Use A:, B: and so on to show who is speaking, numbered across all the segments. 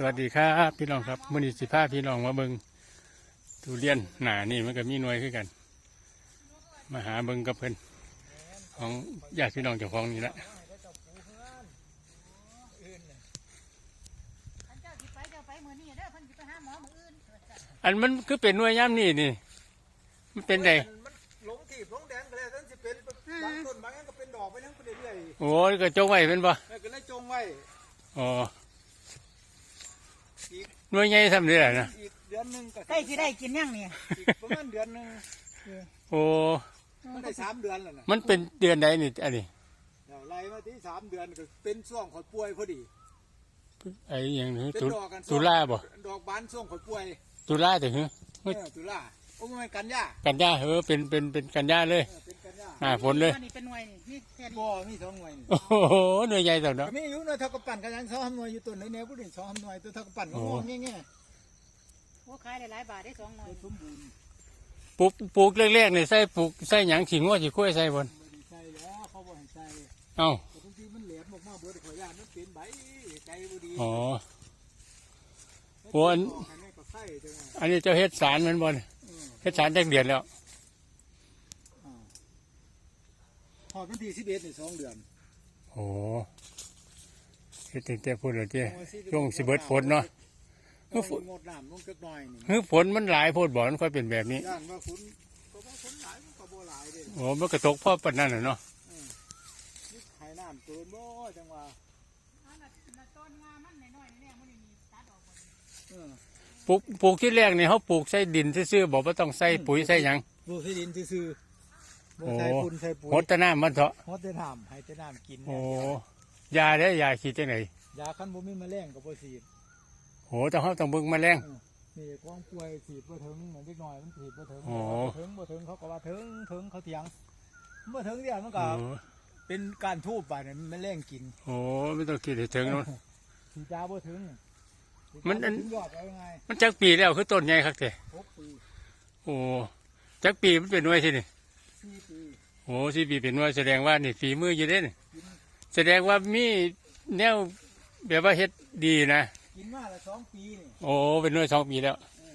A: สวัสดีครับพี่น้องครับมื้อนี้สิพาพี่น้องมาเบิ่งทุเรียนหนานี่มันก็มีหน่วยคือกันมาหาเบิ่งกับเพิ่นของญาติพี่น้องเจ้าของนี่แหละอันมันคือเป็นหน่วยย่ำนี่มันเป็นไง
B: หลงถีบหลงแดงก็แล้วนั่นสิเป็นบางต้นบางอย่างก็เป็นดอกไปนั่งไปเรื่อย
A: โอ้ยก็จงไว้เป็นบ่
B: ก็เลยจงไว้
A: อ๋อหน่วยใหญ่ทำได้หรอนะ
B: อีกเดือนหนึ่งก็
C: ใกล้จะได้กินยังเนี่ย
B: อีกประมาณเดือนหนึ่ง
A: โอ้
B: มันได้3 เดือนแล้วนะ
A: มันเป็นเดือนใดนี่อันนี้
B: ไล่มาที่3 เดือนก็เป็นช่วงข่อยป่วยพอดี
A: ไอ้อย่างนี้
B: ตุ
A: ลาบ่
B: ดอกบานช่วงข่อยป่วย
A: ตุลาแต่หือ
B: ตุลาโอ้มันกันยา
A: เป็นกันยาเลยหน้าฝนเลย
C: นี่เป็นหน่วยนี่แค่
B: บ่มี2 หน่วย
A: โอ้โหหน่วยใหญ่จังเนาะ
B: มีอยู่หน่วยเท่ากับปั่นกันยัง2 หน่วยอยู่ต้นไหนแนวผู้นี้2 หน่วยตัวเท่ากับปั่นงงแง่
C: โอ้ขายหลายบาทได้2 หน่วย
B: สมบูรณ์
A: ปลูกแรกๆนี่ใส่หยังขิงว่าสิคุ้ยใส่บน
B: ใส่แล้วเขาบ่ให้ใส่
A: เอ้า
B: แต่บางทีมันแหลมออกมาเบิดขอยานมันเป็นใบใจบ่ดี
A: อ๋อโอ้อันนี้เจ้าเฮ็ดสารมันบ่เฮ็ดสารจักเดือนแล้ว
B: พอวันที่11นี่2 เดือน
A: โอ้เฮ็ดตั้งแต่พูดแล้วเจ้ช่วงสิเบิดฝนเนาะ
B: ฝนงดน้ำลงจักหน่อย
A: นี่ฝนมันหลายโพดบ่มันค่อยเป็นแบบนี้
B: ย่านว่าฝนก็บ่ฝนหลายมันก็บ่หลายเด้
A: โอ้มันก็ตกพอปานนั้นน่ะเนาะ
B: ให้น้ำเกินบ่จังว่า
C: ต้นงามันน้อยๆนี่มื้อนี้ตัดออก
A: บ่ปลูกที่แรกนี่เฮาปลูกใส่ดินซื่อๆบ่ต้องใส่ปุ๋ยใส่หยัง
B: ปลูกใส่ดินซื่อบ่ใส่ฝุ่นใส่ปุ๋ย
A: หดแต่น้ำมันเถาะ
B: หดแต่น้ำให้แต่น้ำกิน
A: โอ้ยาได้ยาฉีดจังได๋
B: ยาคันบ่มีแมลงก็บ่ฉีด
A: โอ้แต่เฮาต้องเบิ่งแมลง
B: นี่ของป่วยฉีดบ่ถึงเหมือนเด็กน้อยมันฉีดบ่ถึงบ่ถึงเขาก็ว่าถึงเขาเถียงบ่ถึงเดี๋ยวมันก็เป็นการทูบไปเนี่ยมันแรงกิน
A: โอ้ไม่ต้องคิดให้ถึงเนาะ
B: ฉีดยาบ่ถึง
A: มัน
B: ยอดเอาไง
A: มันจักปีแล้วคือต้นใหญ่คักแท้
B: 6 ปี
A: โอ้จักปีมันเป็นหน่วยสินี่
B: 4 ปี
A: โอ้4 ปีเป็นหน่วยแสดงว่านี่ฝีมืออยู่เด้นี่แสดงว่ามีแนวแบบว่าเฮ็ดดีนะ
B: กินมาละ2 ปีนี่
A: โอ้เป็นหน่วย2 ปีแล้ว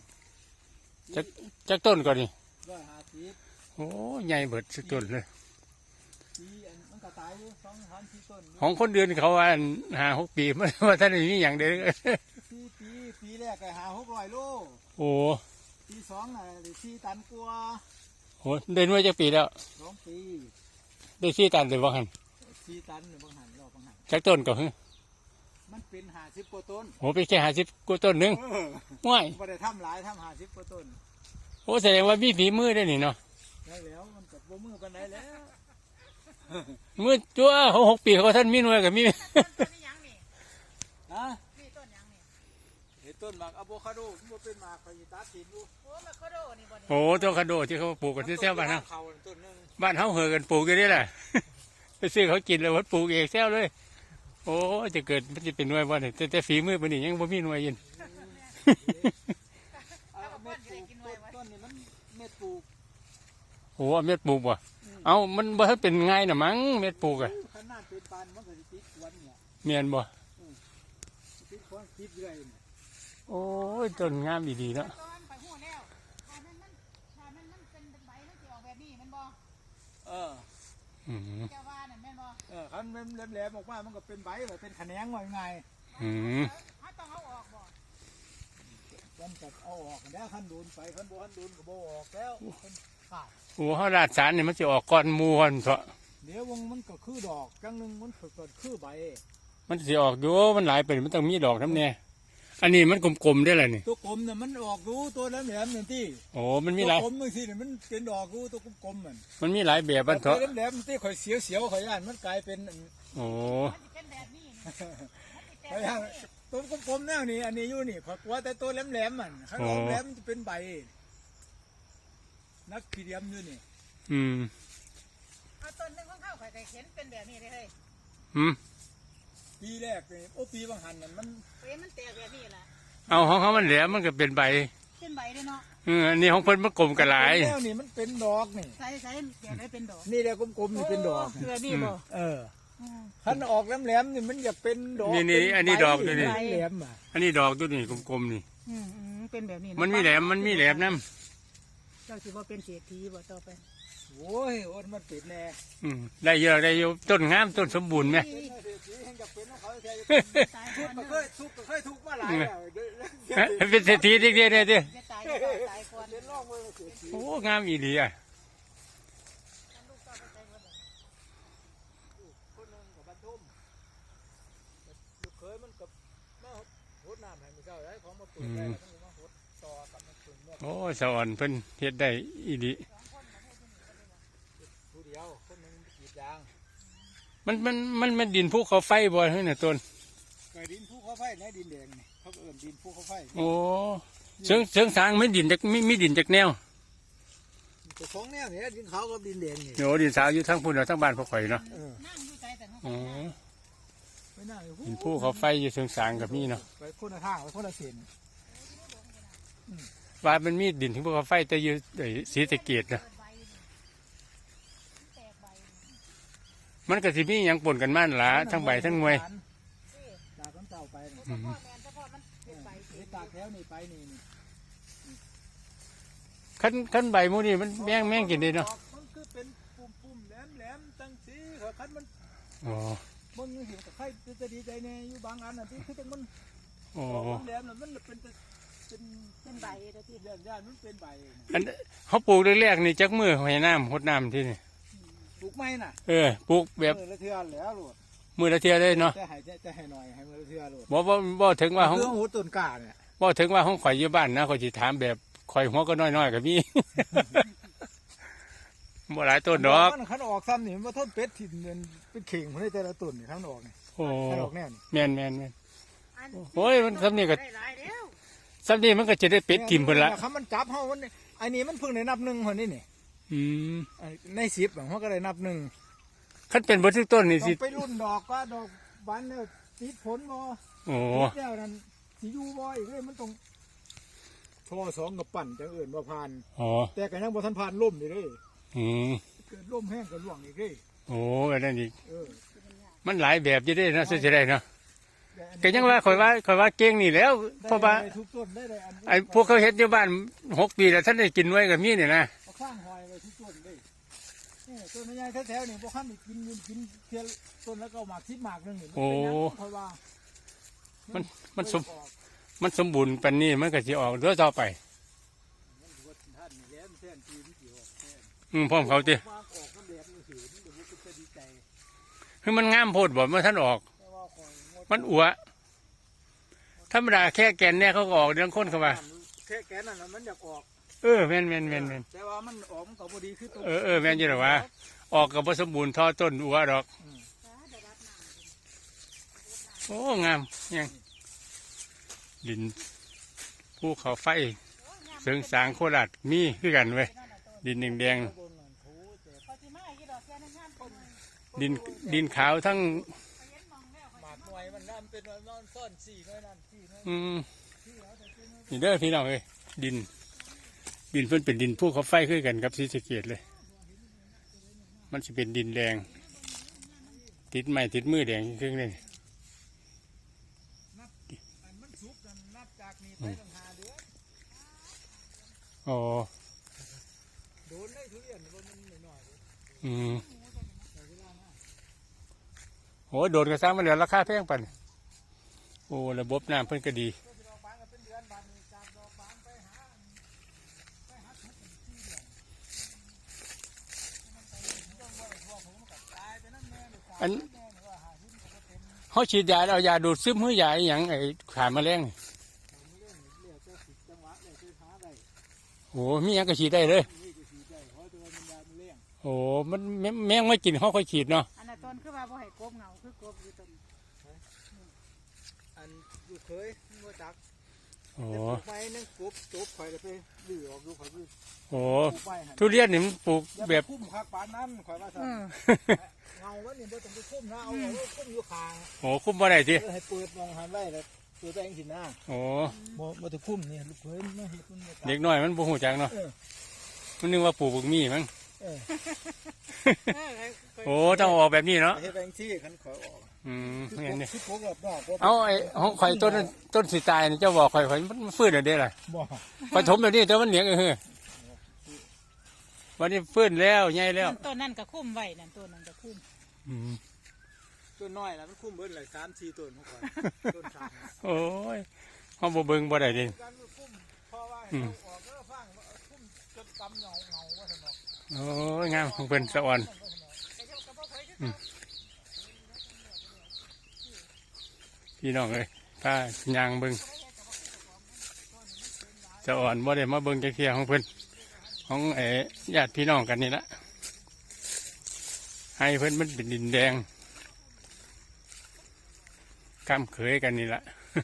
A: จักต้นก่อนนี่
B: 150
A: โอ้ใหญ่เบิดสุดต้นเลย
B: มันก็ตายอยู่2-3 4 ต้น
A: ของคนเดือนเขาว่า5-6 ปีมันว่าท่านมีอย่างเด้อ
B: ปีแรกก็500-600 โล
A: โอ้
B: ปี2น่ะได้4 ตันกว่า
A: โอ้ได้หน่วยจักปีแล้ว
B: 2 ปี
A: ได้4 ตันเลยบ่หั่น
B: 4 ตันบางหันรอบบางหัน
A: จักต้นก็คือ
B: มันเป็น50 กว่าต้น
A: โอ้เป็นแค่50 กว่าต้นนึงว้าย
B: บ่ได้ทำหลายทำ50 กว่าต้น
A: โอ้แสดงว่ามีฝีมือได้นี่เนาะ
B: ได้แล้วมันก็บ่มือปานใดแล้ว
A: มือจั่วเขา6 ปีเขาท่านมีหน่วยกับมี
C: ต้นนี้ยังนี่
B: ฮะ
C: นี่ต้นยังนี่
B: ต้นหมากอะโวคาโดมันเป็นหมากไปตัดกินดู
C: โอ้อะโวคาโดนี่บ่
A: โอ้ต้นคาโดที่เขาปลูกกันที่แถวบ้านเฮาบ้านเฮาเฮอกันปลูกกันนี่แหละไปซื้อเขากินแล้ววัดปลูกเองแซวเลยโอ้จะเกิดมันจะเป็นหน่วยบ่เนี่ยแต่ฝีมือปานนี้ยังบ่มีหน่วยยิน
B: ต้นนี้มันเม็ดปลูก
A: โอ้เม็ดปลูกบ่เอามันบ่ทันเป็นง่ายน่ะมั้งเม็ดปลูกอ่ะ
B: ขนาดเป็นปานมันก็สิติดควันเนี่ย
A: แม่นบ่
B: ติดควันติดเรื่อย
A: โอ้ยต้นงามดีๆเนาะ
B: เจ้าว่านั่นแม่นบ่คันแหลมๆออกมามันก็เป็นใบเลยเป็นแขนงว่ายังไง
C: ต้องเอาออกบ่
B: มันก็เอาออกแล้วคันโดนไปคันบ่ก็บ่ออกแล้วขาด
A: โอ้เฮาราดสารนี่มันสิออกก่อนหมู่หั่นเถาะ
B: เดี๋ยววงมันก็คือดอกจังนึงมันก็คือใบ
A: มันสิออกอยู่มันหลายไปมันต้องมีดอกนำแน่อันนี้มันกลมๆได้ล่ะนี่
B: ตัวกลมน่ะมันออกรู้ตัวแหลมๆนั่นติ
A: โอ้มันมีหลาย
B: ตัวกลมบางทีนี่มันเป็นดอกรู้ตัวกลมๆ
A: มันมีหลายแบบบัดเถาะ
B: แหลมๆติข่อยเสียวๆข่อยย่านมันกลายเป็น
A: โอ้
C: มันสิเป็นแบบนี้
B: ข่อยย่านตัวกลมๆแนวนี้อันนี้อยู่นี่ข่อยกลัวแต่ตัวแหลมๆมันข้างนอกแหลมมันจะเป็นใบนักขีเดียมอยู่นี่
C: เอาต้นนึงของเขาข่อยก็เห็นเป็นแบบนี้เลยเฮ้ย
B: ปีแรกนี่โอ้ปีบางหันนั่นมัน
C: แตกแบบนี้ล่ะ
A: เอาของเขามันแหลมมันก็เป็นใบ
C: เป็นใบเลยเนาะ
A: อันนี้ของเพิ่นมันกลมกระหลาย
B: แล้วนี่มันเป็นดอกนี่
C: ใส่แกได้เป็นดอก
B: นี่แหละกลมๆนี่เป็นดอก
C: แบบนี้บ่
B: โคันออกแหลมๆนี่มันอยากเป็นดอก
A: นี่อันนี้ดอกตัวนี้
B: แหลมๆอ่ะ
A: อันนี้ดอกตัวนี้กลมๆนี่
C: เป็นแบบนี้ะ
A: มันมีแหลมน้
C: เจ้าสิว่าเป็นเศรษฐีบ่ต่อไป
B: โอ้ยโอ้ยมันเป็นแน่
A: ำได้เยอะได้เยอะต้นงามต้นสมบูรณ์ไหม
B: เป็นเศรษฐีแห่งอยากเป็นของเขาแท้
C: ตาย
B: ทุ
C: ก่
B: ก
C: อน
B: ข์ก็
C: เด้อ
B: เคยทุกข์มาหลายแล้ว
A: เป็นเศรษฐีเด็กๆเนี่ยดิ
C: จะตายก่อนตายก่อน
B: เป็นร่องมือเศรษฐี
A: โอ้งามอีหลีอ่ะ
B: คนหนึงกับบรรทุมลูกเคยมันกับมาหดน้ำให้มันเจ้าได้ของมาปลูกได้แล้วมันมาหดต่อกับมันปลูกเนี่ย
A: โอ้สวรรค์เพิ่นเฮ็ดได้อีหลี
B: ผู้เดียวคนหนึงกรีดยาง
A: มันดินภูเขาไฟบ่เฮ้ยน่ะต้น
B: ไก่ดินภูเขาไฟในดินแดงนี่เขาเอิ้นดินภูเขาไฟ
A: โอ้เชิงสางไม่ดินจากมีดินจากแนว
B: แต่ของแนวเนี่ยดินขาวกับดินแดงนี่
A: โอ้ดินสาวอยู่ทั้งพุ่นเนาะทั้งบ้านพ่อข่อยเนาะ
C: นั่งอยู่ใจแต่เนาะ
A: อ๋อ
B: ไม่น่าเลย
A: ดินภูเขาไฟอยู่เชิงสางกับมีเนาะ
B: ไปคนละทางไปคนละเส้น
A: ว่ามันมีดินถึงภูเขาไฟแต่อยู่ไอ้ศรีสะเกษเนาะ
C: ใบนี่แตกใบนี่
A: มันก็สิมีหยังปนกันมานั่นล่ะทั้งใบทั้งหน่วย
B: จากน้ำเต่าไปนี่
C: พ่อแม่นเฉพาะมันเป็นใบ
B: เฮ็ดตากแถวนี่ไปนี่นี่
A: คันใบหมู่นี่มันแม่งกินได้เนาะ
B: มันคือเป็นปุ่มๆแหลมๆตั้งสีคันมัน
A: อ๋อ
B: มันเห็นกับใครจะดีใจในอยู่บางอันน่ะที่คือจังมัน
A: โอ้
B: แหลมน่ะมันเป็น
C: เป็นใบเด้อที่
B: เรื่องย่านมันเป็นใบ
A: อันเขาปลูกแรกๆนี่จักมือให้น้ำหดน้ำที่นี่
B: ปลูกไม้น่ะ
A: ปลูกแบบ
B: ละเทือแล้วโลด
A: มือละเทียได้เนาะ
B: จะให้หน่อยให้มือละเทือโลด
A: บ่ถึงว่าของ
B: เรื่องหูต้นกล้าเนี่ย
A: บ่ถึงว่าของข่อยอยู่บ้านนะข่อยสิถามแบบข่อยหัวก็น้อยๆก็มี บ่หลายต้นดอก
B: มันคันออกซ้ำนี่มันบ่ทนเป็ดถิ่นเป็นเข่งพุ่นได้แต่ละต้นนี่คันออกนี่
A: โอ้
B: คันออกแน่นี่
A: แม่นโอ้ยมันสำนี่ก็
C: ได้หลายแล้ว
A: สำนี่มันก็จะได้เป็ดทิ่มเพิ่นละ
B: คันมันจับเฮามันอันนี้มันเพิ่งได้นับหนึ่งคนนี้นี่
A: อืม
B: ใน10เฮาก็ได้นับหนึ่ง
A: คันเป็นบ่ทุกต้นนี่
B: ต้อ
A: สิ
B: งไปรุ่นดอกว่าดอกบานแล้วติดผลบ่
A: โอ้
B: ติดแล้วนั่นสิอยู่บ่อีกเลยมันต้องท่อสองกับปั่นจังเอิ้นว่าผ่าน
A: อ๋อ
B: แต่ก็ยังบ่ทันผ่านล่มนี่เด้
A: อืม
B: เกิดล่มแห้งก็ล่วงอีกเด้
A: โอ้อันนั้นอีก
B: เออ
A: มันหลายแบบอยู่เด้เนาะสิได้เนาะ
B: แต่อันนี้
A: ก็ยังว่าข่อยว่าเก่งนี่แหล้วเพราะว่า
B: ได้ทุกต้นได้เลยอันนี้
A: ไอ้พวกเขาเฮ็ดอยู่บ้าน6 ปีแล้วท่านได้กินไว้ก็มีนี่นะ
B: เอาข้างหอยไว้ทุกต้นเลยนี่ต้นใหญ่ๆแถวๆนี่บ่คันได้กินเทียต้นแล้วก็เอาหมาก10หมากนึงนี่มันเป็นหยังค่อยว่า
A: มันสมบูรณ์ปานนี้มันก็สิออกเรื่อต่อไป
B: มันถือว่าท่านนี่แหละมันแท้จริงสิออกแท้
A: พร้อมเขาติ
B: วางออกน้ำแดงนี่สิมันก็บ่เป็นดีใจ
A: คือมันงามโพดบ่เมื่อท่านออก
B: แต่ว่าคอยงด
A: มันอัวธรรมดาแค่แกนเนี่ยเขาก็ออกเรื่องคนเข้ามา
B: แค่แกนนั่นน่ะมันอยากออก
A: แม่น
B: แต่ว่ามันออกมันก็บ่ดีคือต้น
A: แม่นอยู่หรอวะออกกับผสมบูรณ์ท่อต้นอัวดอก
C: ได้รับน้ำ
A: โอ้งามยังดินภูเขาไฟเสริงสางโคราชมีคือกันเว้ยดินแดง
B: ต้นนั่นถูแต่
C: พอสิมาอีกดอกแค่นั้นงามต้น
A: ๆดินขาวทั้ง
C: ไปเห็นมองแล้ว
B: หมากหน่วยมันน้ำเป็นนอนซ่อน4น้อยนั่น4น้อย
A: นี่เด้อพี่น้องเอ้ยดินเพิ่นเป็นดินภูเขาไฟคือกันกับศรีสะเกษเลย มันจะเป็นดินแดง ติดไม้ติดมือแดงครึ่งเลย
B: อันมันสุกนั่นนับจากนี้ไปตั้ง5เดือน
A: อ๋อ
B: โดนได้ทุเรียนบ่มันน้อยๆเด้
A: อืม
B: ใช้เวลานะ
A: โหโดนกระซ้างมาเหลือราคาแพงปันโอ้ระบบน้ำเพิ่นก็ดี
B: ก็สิดอกบานก็เป็นเดือนบานนี้จากดอกบานไปหาทุก4เดือนมันไปต้องไว้ทั่วผมก็ตายไปนั่นแน่เลย
A: อัน
B: แน่เลยว่าหาหุ้นก็บ่เต็ม
A: เขาฉีดยาเอายาดูดซึมหื้อยาอหย่างไอ้ขาแมลงนี่
B: ผมเรื่องเรียกก็สิจังหวะเลยคือหาได้
A: โอ้มีหยังก็ฉีดได้เลย
B: นี่ก็สิได้เพราะตัวมันยามันเลี้ยง
A: โอ้มันแมงไม่กินเขาค่อยฉีดเนาะ
C: อันนั้นต้นคือว่าบ่ให้กบเหงาคือกบอยู่ต้น
B: อันอยู่เคยบ่จัก
A: โอ้
B: แต่ปลูกไม้นั่นกบจบข่อยแล้วไปดื้อออกดูข่อยดื้อ
A: โอ้
B: ปลูกไม้หั่น
A: ทุเรียนนี่มันปลูก
B: อย่า
A: แบ
B: ไป
A: บ
B: คุ้มคักปานนั้นข่อยว่าซั่นเงาแล้วนี่บ่ต้องไปคุ้มนะเอาคุ้มอยู่ข้าง
A: โอ้คุ้มบ่ได้สิ
B: ให้เปิดมองหันไว้แล้วตัวตัวเองสินะ
A: โอ้
B: บ่ต้องคุ้มนี่ลูกเคยมาเฮ็ดมันบ่จัก
A: เด็กน้อยมันบ่หูจักเนาะ
B: เออ
A: มันนึกว่าปลูกบักมี่มั้ง
B: เออ
A: โอ้ต้องออกแบบนี้เนาะ
B: เฮ็ดแบงซี่คันขอยออก
A: คืออย่างนี้
B: คือพวกรอบๆ
A: เอาไอ้ของข่อยต้นสิตายนี่เจ้าบอกข่อยมันฟื้นแล้วเด้ล่ะ
B: บ่
A: ปฐมแล้วนี่แต่มันเหนียงวันนี้ฟื้นแล้วใหญ่แล้ว
C: ต้นนั่นก็คุ้มไว้นั่นต้นนั่นก็คุ้ม
B: ต้นน้อยแล้วมันคุ้มเบิ่นเลย3-4ต้นของข่อยต้นสาม
A: โอ้ยเฮาบ่เบิ่งบ่ได้เดิ
B: การมันคุ้มเพราะว่าให้เราออกแล้วฟังคุ้มจนกำเงาว่าซั่นเนาะ
A: โอ้ยงามของเพิ่นสะอ่อนพี่น้องเอ้ยพายางเบิ่งสะอ่อนบ่ได้มาเบิ่งจักเที่ยของเพิ่นของญาติพี่น้องกันนี่ละให้เพิ่นมันเป็นดินแดงกำเขยกันนี่ละ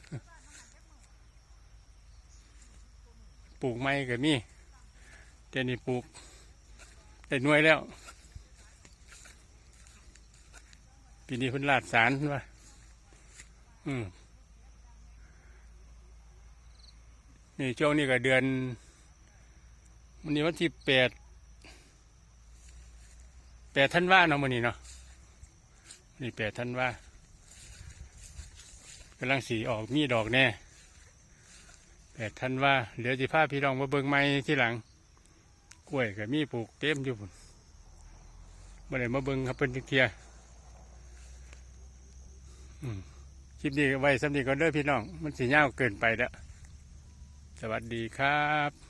A: ปลูกไม้ก็มีแต่นี่ปลูกได้หน่วยแล้วปีนี้เพิ่นลาดสารว่านี่ช่วงนี้ก็เดือนวันนี้วันที่8 ธันวาเนาะมื้อนี้เนาะนี่8 ธันวากำลังสีออกมีดอกแน่8 ธันวาเดี๋ยวสิพาพี่น้องมาเบิ่งไม้ที่หลังกล้วยก็มีปลูกเต็มอยู่พุ่นบ่ได้มาเบิ่งครับเพิ่นจักเที่ยคลิปนี้ไว้สำนี้ก็เด้อพี่น้องมันสิยาวเกินไปแล้วสวัสดีครับ